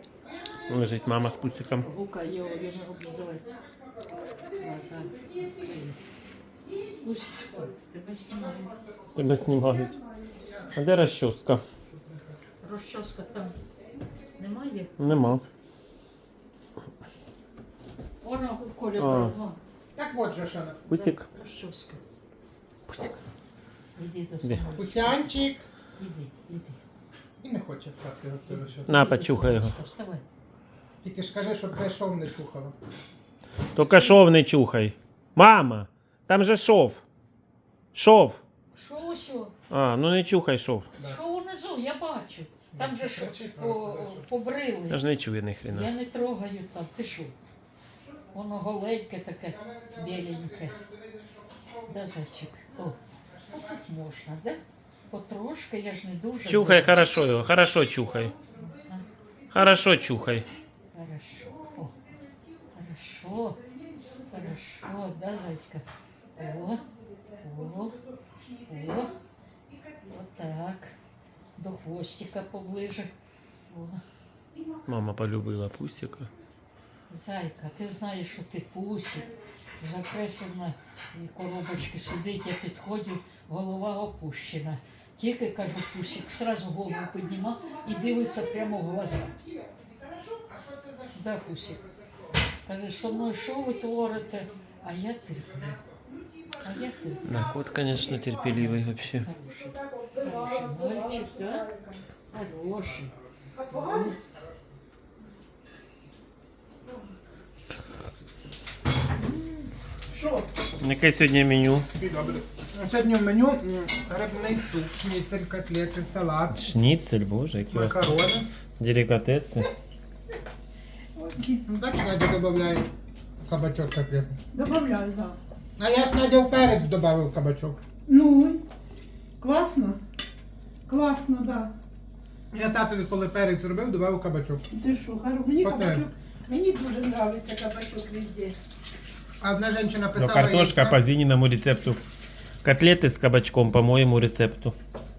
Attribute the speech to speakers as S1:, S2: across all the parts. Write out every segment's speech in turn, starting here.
S1: Лежить мама з пусиком.
S2: Гука його, він обзивається. Тебе знімають.
S1: Тебе знімають. А де розчоска?
S2: Розчоска там немає?
S1: Нема.
S2: Вона у Колі
S1: А.
S2: брала.
S3: Так от же, Шана.
S1: Пусик.
S2: Розчоска.
S1: Пусик.
S2: Іди до
S1: Де?
S2: самого.
S3: Пусянчик.
S2: Іди.
S3: І не хоче стати гостину, що.
S1: На, почухай його.
S2: Вставай.
S3: Тільки ж кажи, щоб те шов не чухало.
S1: Тільки шов не чухай. Мама, там же шов. Шов.
S2: Що усьо?
S1: А, ну не чухай шов.
S2: Що унизу? Я бачу. Там же що
S3: Кричить,
S2: по-
S3: правда.
S1: Я
S2: побрили.
S1: ж не чую ні
S2: Я
S1: хрена.
S2: не трогаю там. Ти що? Воно голеньке таке, біленьке. Да, зайчик? О, а тут можна, да? Потрошки, я ж не дуже.
S1: Чухай хорошо його, хорошо чухай. Хорошо чухай.
S2: Хорошо. О, хорошо. Хорошо, да, зайчка? О, о, о. Вот так. До хвостика поближе. О.
S1: Мама полюбила пусика.
S2: Зайка, ти знаєш, що ти пусик. Закреслена коробочки сидить, я підходжу, голова опущена. Тільки, кажу, пусик, сразу голову підніма і дивиться прямо в глаза. Да, пусик. Кажеш, со мною що ви творите? А я терплю. А я терплю.
S1: Да, кот, конечно, терпеливый вообще.
S2: Хороший мальчик, да? Хороший.
S3: Що?
S1: Яке сьогодні меню?
S3: Добре. Сьогодні в меню грибний суп, шніцель, котлети, салат,
S1: Шніцель, боже, які у вас тут
S3: макарони.
S1: делікатеси.
S3: Ну так Надя додає кабачок котлети.
S4: Добавляю, да.
S3: А я ж Надя в перець додав кабачок.
S4: Ну, класно. Класно, да.
S3: Я татові, коли перець робив, додав кабачок.
S4: Ти що, Хару, мені
S3: Потім.
S4: кабачок, мені дуже подобається кабачок везде.
S3: А одна жінка
S1: Ну,
S3: писала...
S1: картошка
S3: яйця.
S1: по Зининому рецепту. Котлеты с кабачком по моему рецепту.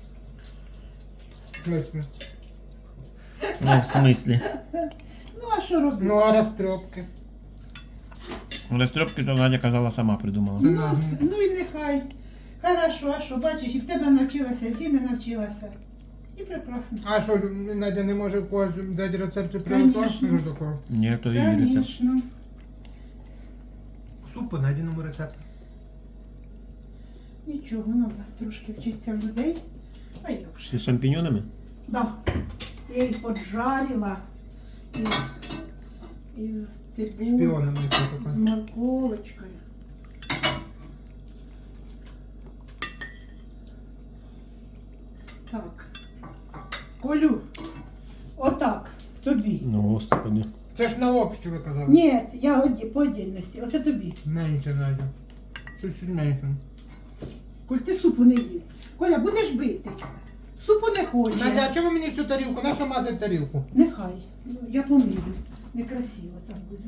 S3: В смислі?
S1: Ну, в смысле?
S4: Ну, а що робити?
S3: Ну, а розтрьопки?
S1: Растрепки то Надя казала сама придумала.
S4: Ну і нехай. Хорошо, а що, бачиш, і в тебе навчилася, і Зіна навчилася. І прекрасно.
S3: А що, Надя не може в когось взяти рецепти приготувати?
S4: Конечно.
S3: Ну, такого.
S1: Нет, то її рецепт.
S4: Звісно.
S3: Суп по Надіному рецепту.
S4: Нічого, треба трошки вчитися в людей. А як
S1: С
S4: же?
S1: шампиньонами?
S4: Да. Я їх поджарила із цибулі,
S3: Шпіонами це
S4: з
S3: таке.
S4: морковочкою. Так. Колю, отак, тобі.
S1: Ну, господи.
S3: Це ж на общі ви казали.
S4: Ні, я по отдельності. Оце тобі.
S3: Менше, Надя. Чуть-чуть менше.
S4: Коль, ти супу не їв. Коля, будеш бити. Супу не хоче.
S3: Надя, а чого ви мені всю тарілку? На що мазати тарілку?
S4: Нехай. Ну, я помірю. Некрасиво так буде.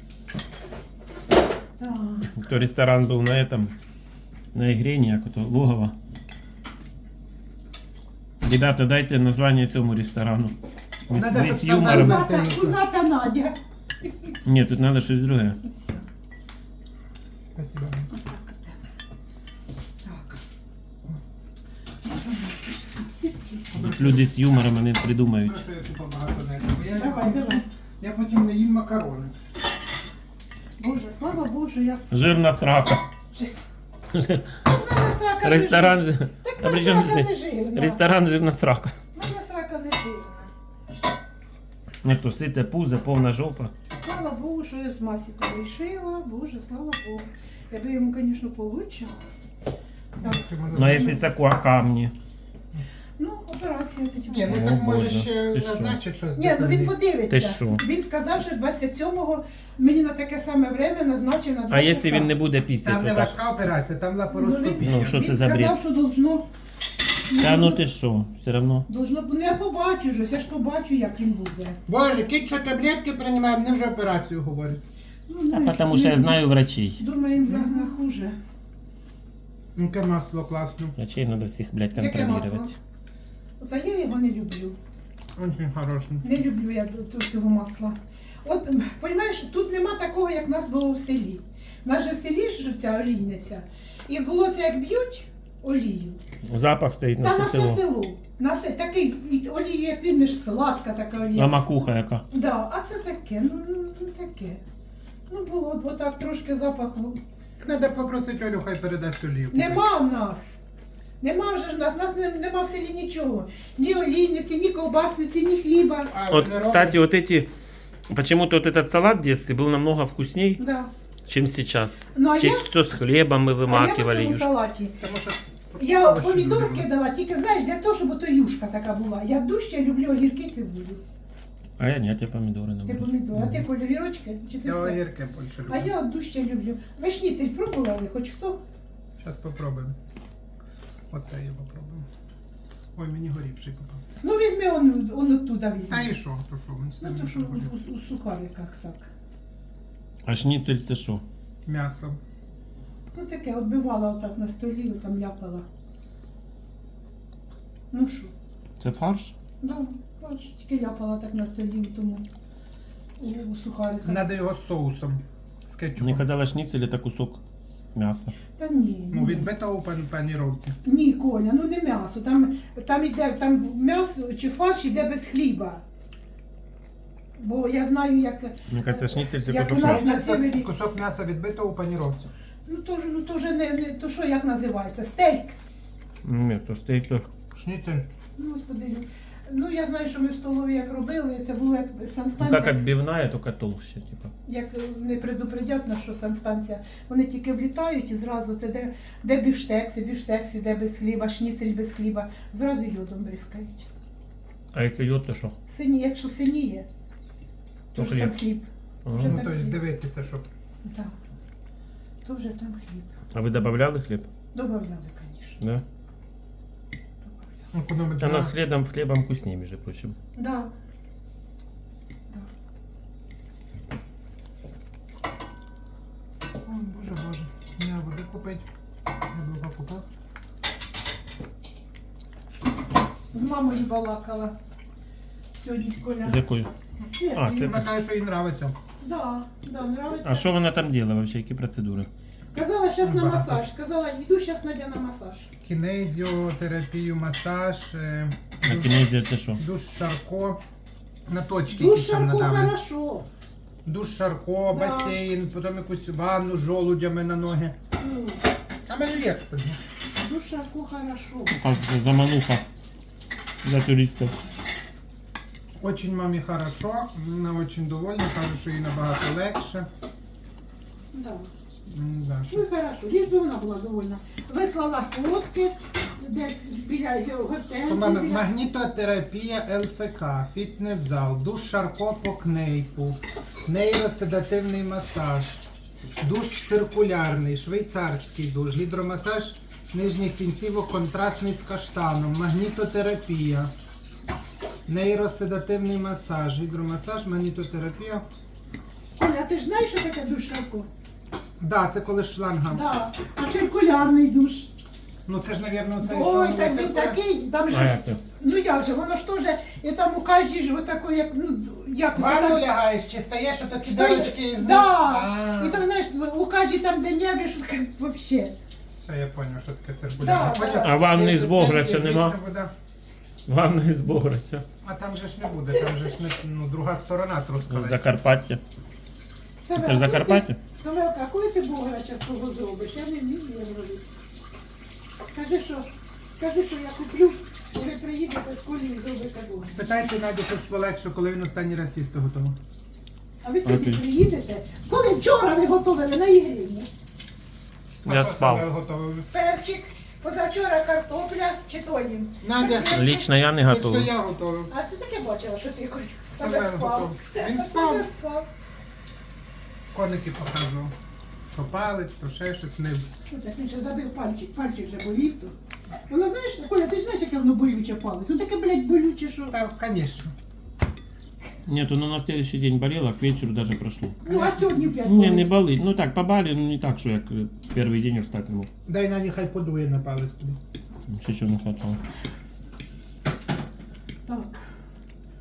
S4: Так.
S1: То ресторан был на этом, на игре ніяко, логово. Ребята, дайте название цьому ресторану. Ми
S3: Надо,
S1: з
S3: щоб сам
S1: юмором.
S3: нарізав.
S4: Кузата Надя.
S1: Ні, тут надо щось друге.
S4: Все.
S3: Спасибо.
S4: Отак от тебе. Так.
S1: Тут люди з юмором вони придумають.
S3: Прошу, я супа багато не їм.
S4: Давай, давай.
S3: Я потім не їм макарони.
S4: Боже, слава Богу, я...
S1: Жирна срака. Ресторан же.
S4: Так
S1: А
S4: в
S1: при
S4: мене
S1: чому
S4: срака
S1: ти?
S4: не жирна.
S1: Ресторан жирна срака.
S4: В мене срака не жирна.
S1: Ну то сите пузо, повна жопа.
S4: Слава Богу, що я з Масіком вирішила. Боже, слава Богу. Я би йому, звісно, получила. Так.
S1: Ну а якщо це камні?
S4: Ну, операція тоді.
S3: Ні, ну
S1: О,
S3: так може
S1: Боже.
S3: ще
S1: Ти що?
S3: назначить щось.
S4: Ні, ну він
S1: Ти
S4: подивиться.
S1: що?
S4: Він сказав, що 27-го мені на таке саме время назначив на 2
S1: А якщо
S4: часа.
S1: він не буде
S3: Там
S1: пісяти,
S3: не
S1: то так?
S3: важка операція, там лапароскопія.
S1: Ну, що
S4: Він
S1: це за бред?
S4: сказав, що должно...
S1: Та ну ти що, все одно.
S4: Должно... Ну, я побачу ж, я ж побачу, як він буде.
S3: Боже, кіт, що таблетки приймає, мені вже операцію говорить.
S4: Ну,
S1: А тому що я знаю врачей.
S4: Думаю, на хуже.
S3: Яке масло класне.
S1: Врачей треба всіх, блядь,
S4: Яке масло?
S1: контролювати.
S4: Оце я його не люблю.
S3: Очень хороший.
S4: Не люблю я цього масла. От, розумієш, тут нема такого, як в нас було в селі. У нас же в селі ж ця олійниця. І було це, як б'ють олію.
S1: Запах стоїть
S4: Та
S1: на
S4: на
S1: все
S4: все
S1: село.
S4: село. На все, такий і олію, як візьмеш, сладка така олія.
S1: А макуха яка.
S4: Да, а це таке, ну таке. Ну було б отак трошки запаху.
S3: Треба попросити Олю, хай передасть олівку.
S4: Нема в нас. Нема вже ж нас. У нас нема в селі нічого. Ні олійниці, ні ковбасниці, ні хліба.
S3: А,
S1: Вот,
S3: не робить?
S1: кстати, вот эти... Почему-то вот этот салат в детстве был намного вкусней,
S4: Да.
S1: чем сейчас.
S4: Ну, а
S1: Чаще
S4: я-
S1: всего с хлебом мы
S4: А я
S1: вымакивали.
S4: в цьому
S1: юж-
S4: салаті.
S3: Тому що
S4: Я
S3: овочі
S4: помідор
S3: любимо.
S4: кидала, тільки знаєш, для того, щоб ото юшка така була. Я дужче люблю огірки цибулю.
S1: А я нет, я помидоры
S4: Ти
S1: наоборот.
S4: помідор, а ти полювірочки чи ти
S3: Я
S4: все?
S3: огірки більше люблю.
S4: А я от дужче люблю. Ви шніцель пробували, хоч хто?
S3: Зараз попробуємо. Оце я попробую. Ой, мені горівший попався.
S4: Ну візьми он оттуда візьми.
S3: А і що? То що? Він з
S4: Ну
S3: ним
S4: то що
S3: не буде.
S4: у сухариках так.
S1: А шницель це що?
S3: М'ясо.
S4: Ну таке, отбивала отак на столі, там ляпала. Ну що?
S1: Це фарш?
S4: Да, бачиш, тільки ляпала так на столі в тому у сухариках.
S3: Треба його з соусом. З кетчупом.
S1: Мені казали, шницель це кусок м'яса.
S4: Та ні.
S3: Ну,
S4: ні.
S3: відбитого у паніровці.
S4: Ні, Коля, ну не м'ясо. Там іде там м'ясо чи фарш іде без хліба. Бо я знаю, як.
S1: Мені кажеться, шницель це
S4: Як
S1: кусок
S4: у нас
S1: м'яса.
S4: на севері.
S3: Кусок м'яса відбитого у паніровці.
S4: Ну то вже не то що як називається? Стейк.
S1: Ні, то стейк то.
S3: Шніцель.
S4: Ну, господи. Ну я знаю, що ми в столові як робили, це було як
S1: Ну как
S4: санстанція.
S1: отбивная, только толще, типа.
S4: Як не предупредять нас, що санстанція, вони тільки влітають і зразу це де бівштекси, де без хліба, шніцель без хліба, зразу йодом бризкають.
S1: А якщо йод, то що?
S4: Якщо синіє, то
S1: То
S4: вже там
S1: хліб.
S4: хліб.
S1: Ага.
S4: Вже
S3: Ну,
S4: так
S3: то есть
S4: хліб.
S3: дивитися, щоб...
S4: Так. То вже там хліб.
S1: А ви додавали хліб?
S4: Добавляли, звісно.
S1: Да?
S3: Економить
S1: Она
S3: на...
S1: с хлебом вкуснее, между прочим.
S4: Да. Да.
S3: Ой, боже. Мені води купить. Яблука купив.
S4: З мамою балакала. Сьогодні з Коля.
S1: З якою? А, це-
S3: Вона каже, що їй подобається.
S4: Да, нравиться.
S1: А що вона там робила вообще? Які процедури?
S4: Казала, зараз на
S3: Багато.
S4: масаж. Казала, йду зараз Надя на масаж.
S3: Кінезіотерапію, масаж,
S1: На кінезі це що?
S3: душ Шарко. На точки
S4: Душ
S3: якісь там
S4: Шарко
S3: надали.
S4: хорошо.
S3: Душ Шарко,
S4: Да.
S3: басейн, потім якусь ванну з жолудями на ноги.
S4: Ну,
S3: А мені легко.
S4: душ Шарко хорошо.
S1: Как це замануха для туристів.
S3: Очень мамі хорошо, вона очень довольна, каже, що їй набагато легше.
S4: Да.
S3: Да,
S4: Ну і хорошо, лиш би вона була довольна. Вислала фотки, десь біля
S3: У мене
S4: готелю.
S3: магнітотерапія ЛФК, фітнес-зал, душ Шарко по кнейпу, нейроседативний масаж, душ циркулярний, швейцарський душ, гідромасаж нижніх кінцівок контрастний з каштаном, магнітотерапія, нейроседативний масаж, гідромасаж, магнітотерапія.
S4: Оля, ти ж знаєш, що таке душ Шарко?
S3: Да, це коли шланга.
S4: Да. А циркулярний душ.
S3: Ну це ж, мабуть, це
S4: Ой,
S3: що,
S4: так
S3: це
S4: він такий, там
S1: А
S4: же,
S1: як це?
S4: ну як же, воно ж теж, і там у кожній ж отакої, як, ну, як
S3: Ванну
S4: так-
S3: лягаєш, чи стаєш, що такі
S4: Стоїть-
S3: дирочки із них?
S4: Да.
S3: А.
S4: І там, знаєш, у кожній там, де небі, що таке, вообще.
S3: Та я зрозумів, що таке циркулярне.
S4: Да, да.
S1: А ванни
S3: Як
S1: з
S3: до
S1: Бограча
S3: стінки
S1: нема?
S3: звідси вода.
S1: Ванна із Бограча.
S3: А там же ж не буде, там же ж не, ну, друга сторона трускавець.
S1: Закарпаття.
S4: Саме,
S1: Це ж Закарпаття?
S4: Самелка, а коли ти Бограча свого зробиш? Я не вмію зробити. Скажи, що я куплю, ви приїдете з Колею і зробите Бограч.
S3: Питайте Надю щось полегше, коли він останній раз їсти готував.
S4: А ви сьогодні
S1: Окей.
S4: приїдете? Коли вчора ви готували на Ігрівні?
S1: Я
S3: А що
S1: спав.
S3: Самвел готував?
S4: Перчик, позавчора картопля чи то їм.
S3: Надя,
S1: Лично я не
S3: це
S1: готовий.
S3: все я готував.
S4: А це таке бачила, що ти хоч
S3: Самвел
S4: себе спав.
S3: готов. Він
S4: Та
S3: спав.
S4: себе спав.
S3: Коники показував. То палець, то ще щось не.
S4: Ну, так він ще забив пальчик вже болів то. Воно знаєш, Коля, ти ж знаєш, яке воно болюче палець? Ну таке, блядь, болюче, що...
S3: Та, звісно.
S1: Нет, ну на следующий день болело, к вечеру даже прошло.
S4: Ну, а сьогодні опять
S1: Не, не
S4: болить.
S1: болит. Ну так, побали, но не так, что я первый день встать не мог.
S3: Дай Наді хай подує на палець тобі.
S1: Ще чего не хватало.
S4: Так.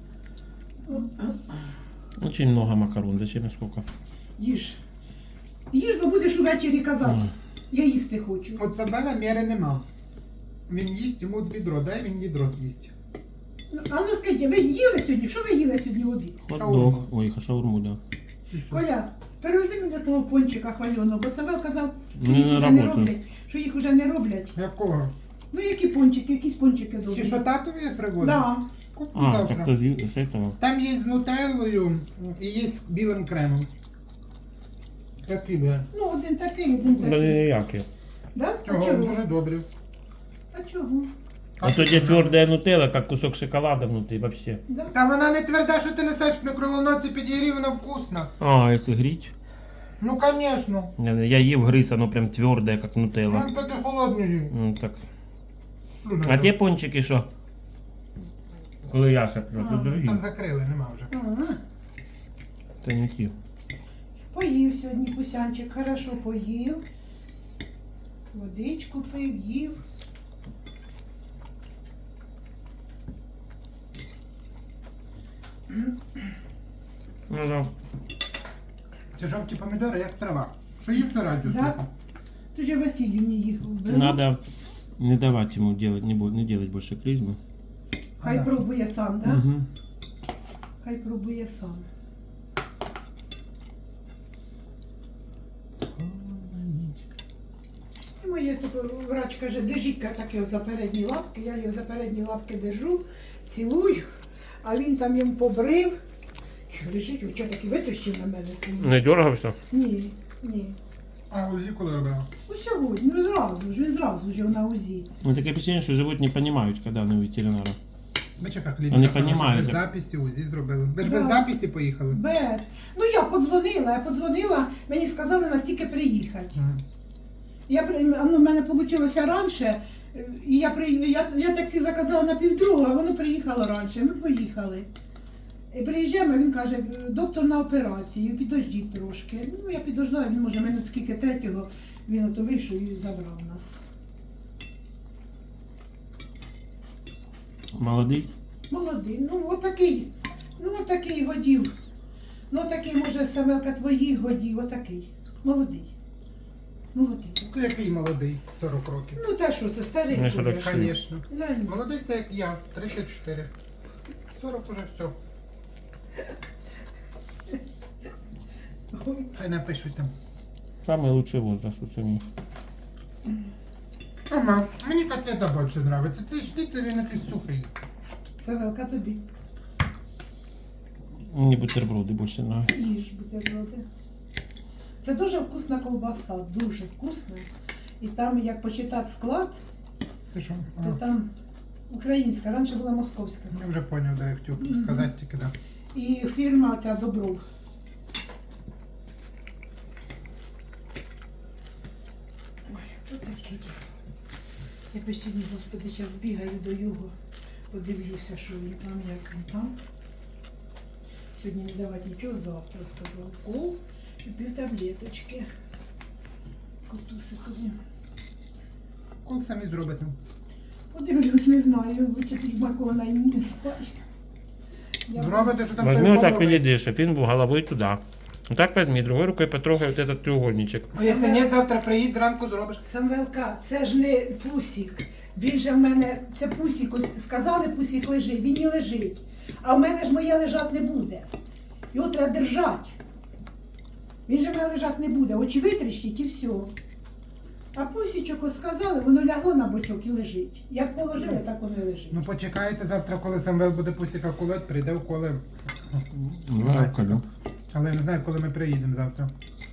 S1: Очень много макарон, зачем и сколько?
S4: Їж. Їж, бо будеш увечері казати. Я їсти хочу.
S3: От Самвела міри нема. Він їсть, йому відро, дай він відро з'їсть.
S4: А ну скажіть, ви їли сьогодні? Що ви їли сьогодні в обід?
S1: Хот-дог. Ой, шаурму, да.
S4: Коля, перевези мені того пончика хвальоного, бо Савел казав, що
S1: Не
S4: їх вже не
S1: работаю.
S4: роблять. Що їх вже не роблять.
S3: Якого?
S4: Ну які пончики, якісь пончики добрі.
S3: Ті, що татові привозив?
S4: Да.
S3: Куплю
S1: А,
S3: завтра.
S1: так то с этого.
S3: Там є з нутеллою і є з білим кремом. Такі бля.
S4: Ну, один такий, один
S1: Да
S4: такий.
S1: ніякі.
S4: Да? А
S3: Чого?
S4: чого?
S3: Дуже добрі.
S4: А чого?
S1: А то где твердая нутелла, как кусок шоколада внутри вообще.
S4: Да?
S3: Та вона не тверда, що ти несеш в мікроволновці підігрів, вона вкусна.
S1: А, если грить?
S3: Ну, звісно.
S1: Я ев грыз, оно прям твердое, как нутелла.
S3: Ну, таке холодне їм.
S1: Так. А те пончики що? Коли я шеплю, то дорогі.
S3: Там закрили, нема вже.
S4: Ага.
S1: Це не ті.
S4: Поїв сьогодні Кусянчик, хорошо поїв. Водичку пив, їв.
S1: Ну да.
S3: Це жовті помідори, як трава. Що їв що радіо?
S4: Да? Ти ж Василій мені їх вбив.
S1: Надо не давать ему делать, не делать больше клизмы.
S4: Хай
S3: Ага.
S4: пробує сам, да?
S1: Угу.
S4: Хай пробує сам. І моє врач каже, держіть так його за передні лапки, я його за передні лапки держу, цілую, а він там йому побрив. Лежить, він чого таки витащив на мене свій?
S1: Не дергався?
S4: Ні, ні.
S3: А УЗІ коли робила?
S4: Ну сьогодні, ну він зразу ж на УЗІ.
S1: Ну таке впечатление, що живуть не понимають, когда вони у ветеринара.
S3: Бачиш, яка клініка.
S1: Вони
S3: хороша,
S1: понімають,
S3: без
S1: як-
S3: записі УЗІ зробили. Ви ж
S4: Да.
S3: без записі поїхали?
S4: Без. Ну я подзвонила, мені сказали настільки приїхати.
S3: Мгм.
S4: Ну, в мене вийшло раніше, і я таксі заказала на 1:30, а воно приїхало раніше. Ми поїхали. І приїжджаємо, він каже, доктор на операції, підождіть трошки. Ну, я підождала, він може минут скільки третього, він ото вийшов і забрав нас.
S1: Молодий?
S4: Молодий, ну отакий годів. Ну отакий, може, Самелка твоїх годів, отакий. Молодий. Молодий.
S3: Ну, який молодий, 40 років.
S4: Ну та що, це старий.
S1: Ну,
S4: Коля.
S1: 44.
S3: Звісно.
S4: Да, ні.
S3: Молодий це як я, 34. 40 уже все.
S4: Ой.
S3: Хай напишуть там.
S1: Самый лучший возраст у цьому.
S3: Ага, мені котлета більше подобається. Цей шніцель, він якийсь сухий.
S4: Савелка тобі.
S1: Мені бутерброди більше нравятся.
S4: Їж бутерброди. Це дуже вкусна колбаса, дуже вкусна. І там, як почитати склад,
S3: Це що?
S4: то там українська, раніше була московська.
S3: Я вже зрозумів, да, я хотів сказати тільки, да.
S4: І фірма ця Добров. Ой, то таке діло. Я постійно, господи, зараз збігаю до його, подивлюся, що він там, як він там. Сьогодні не давати нічого, завтра сказав. Кол і пів таблеточки. Котусикові.
S3: Кол самі зробите.
S4: Подивлюсь, не знаю, вичитить макона і не знаю. Я
S3: Зробите, що там
S1: Возьми
S3: той
S1: вот так и
S3: голови.
S1: едешь, а він був головою туди. Вот так возьми, другой рукой потрогай вот этот треугольничек.
S3: А якщо ні, завтра приїдь, зранку зробиш.
S4: Самвелка, це ж не Пусік. Він же в мене, це Пусік, ось сказали, Пусік лежить, він і лежить. А в мене ж моє лежать не буде. Його треба держати. Він же в мене лежать не буде. Очі витріщить і все. А Пусічок ось сказали, воно лягло на бочок і лежить. Як положили, так воно і лежить.
S3: Ну почекайте завтра, коли Самвел буде пусіка колоть, прийде в коле.
S1: Давай,
S3: Але я не знаю, коли ми приїдемо завтра.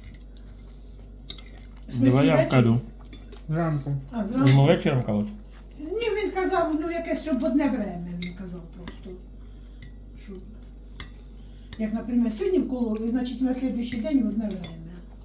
S4: В смислі,
S1: Давай я
S4: ввечері?
S1: вкаду.
S3: Зранку.
S4: А, зранку?
S1: Йому вечором колоть?
S4: Ні, він казав, ну якесь щоб в одне время, він казав просто. Що, як, наприклад, сьогодні вкололи, значить на слідуючий день в одне время.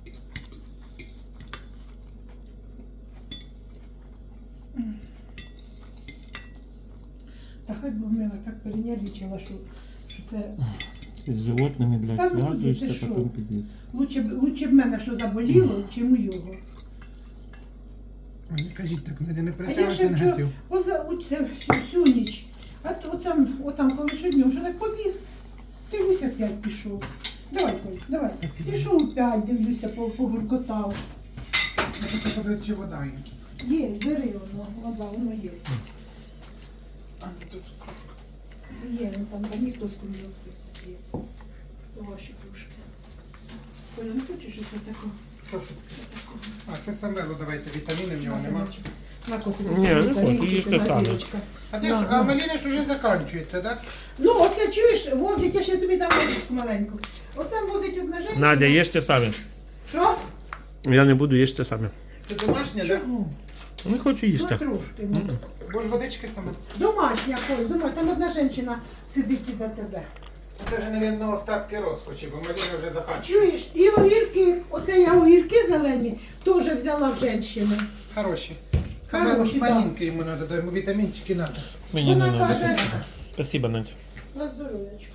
S4: Та хай би мила так перенервничала, що це
S1: Ти з животними, блядь,
S4: Та ну,
S1: зв'язуєшся,
S4: ти що?
S1: потім пиздец.
S4: лучше б мене що заболіло, чим у його.
S3: Ой, не кажіть так, Надя, не
S4: А я
S3: притягуйте
S4: ще вчора
S3: негатив.
S4: це всю ніч. А то отам коли що днем, що так побіг. Ти ось опять пішов. Давай, Коль, давай. Пішов опять, дивлюся, погуркотав.
S3: Я хочу подивитися, чи вода є.
S4: Є, бери воно, воно є.
S3: А, тут кружка.
S4: Є, там ніхто з кружок є. Ваші кружки. Коля, не хочеш щось отако?
S3: Що це? А, це самело, давайте, вітаміни в нього нема.
S4: На коти.
S1: Ні, не хочу, їж те саме.
S3: А де ж, а малина ж уже закінчується, так?
S4: Ну, оце чуєш, возить, я ще тобі там возичку маленьку. Оце возить одна жінка.
S1: Надя, їж те саме.
S4: Що?
S1: Я не буду їсти те саме.
S3: Це домашнє, так?
S4: Чому?
S1: Не хочу
S4: Ну,
S1: їсти.
S4: трошки. Ну.
S3: Бо ж водички саме.
S4: Домашня, Коль, домашня. Там одна жінка сидить за тебе.
S3: А це вже, мабуть, остатки розпачі, бо малина вже закінчується.
S4: Чуєш, і огірки, оце я огірки зелені, теж взяла в жінки.
S3: Хороші. Самело
S4: Хороші,
S3: маленьке йому треба, йому вітамінчики треба.
S1: Мені не
S4: Вона
S1: треба.
S4: каже,
S1: Спасибо, Надя.
S4: на здоров'ячко.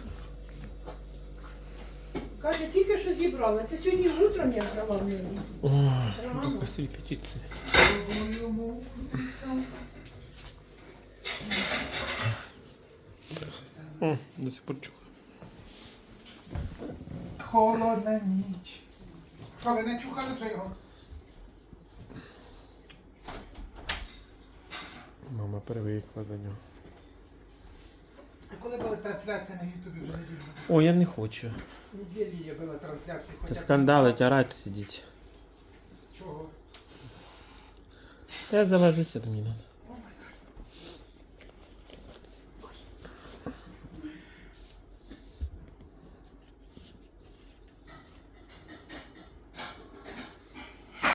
S4: Каже, тільки що зібрала. Це сьогодні утром я взяла в неї.
S1: Ой,
S4: Рано.
S1: сколько репетиций. О, до сих пор чухаю.
S3: Холодна ніч. Що, ви не чухали вже його?
S1: Мама привикла до нього.
S3: А коли була трансляція на Ютубі вже неділю?
S1: О, я не хочу.
S3: Неділі є була трансляція.
S1: Це скандалить, орать сидіть.
S3: Чого?
S1: Та я завожуся, то мені надо.